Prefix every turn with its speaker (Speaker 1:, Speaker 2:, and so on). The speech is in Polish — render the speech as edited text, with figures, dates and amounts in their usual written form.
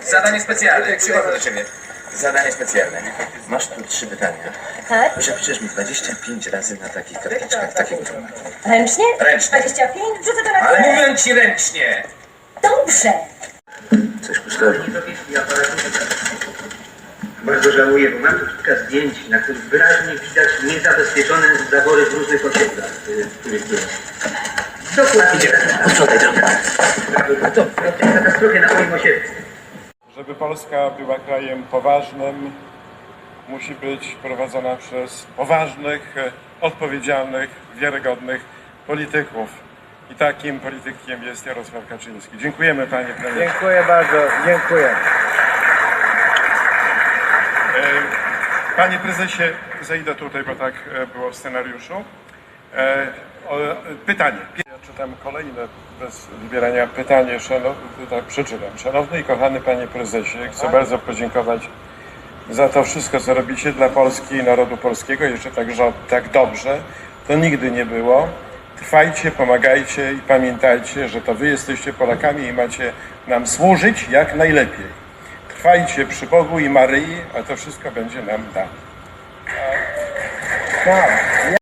Speaker 1: Zadanie specjalne.
Speaker 2: Przychodzę do ciebie. Zadanie specjalne. Masz tu 3 pytania.
Speaker 3: Tak?
Speaker 2: Przepiszesz mi 25 razy na takich karteczkach, takiego formatu.
Speaker 3: Ręcznie?
Speaker 2: Ręcznie.
Speaker 3: 25? Wrzucę to na
Speaker 1: Ale
Speaker 3: chwilę.
Speaker 1: mówię ci ręcznie.
Speaker 3: Dobrze.
Speaker 2: Coś myślałem.
Speaker 4: Bardzo żałuję, bo mam tu kilka zdjęć, na których wyraźnie widać niezabezpieczone zawory w różnych osiedlach, w których byłem. Dokładnie.
Speaker 2: Posprzątaj trochę.
Speaker 4: To w tej katastrofie na moim osiedlu.
Speaker 5: Żeby Polska była krajem poważnym, musi być prowadzona przez poważnych, odpowiedzialnych, wiarygodnych polityków. I takim politykiem jest Jarosław Kaczyński. Dziękujemy, panie premierze.
Speaker 6: Dziękuję bardzo, dziękuję.
Speaker 5: Panie prezesie, zejdę tutaj, bo tak było w scenariuszu. Pytanie. Ja czytam kolejne, bez wybierania pytanie, tak przeczytam. Szanowny i kochany panie prezesie, chcę bardzo podziękować za to wszystko, co robicie dla Polski i narodu polskiego. Jeszcze tak dobrze to nigdy nie było. Trwajcie, pomagajcie i pamiętajcie, że to wy jesteście Polakami i macie nam służyć jak najlepiej. Trwajcie przy Bogu i Maryi, a to wszystko będzie nam dane.
Speaker 6: Tak.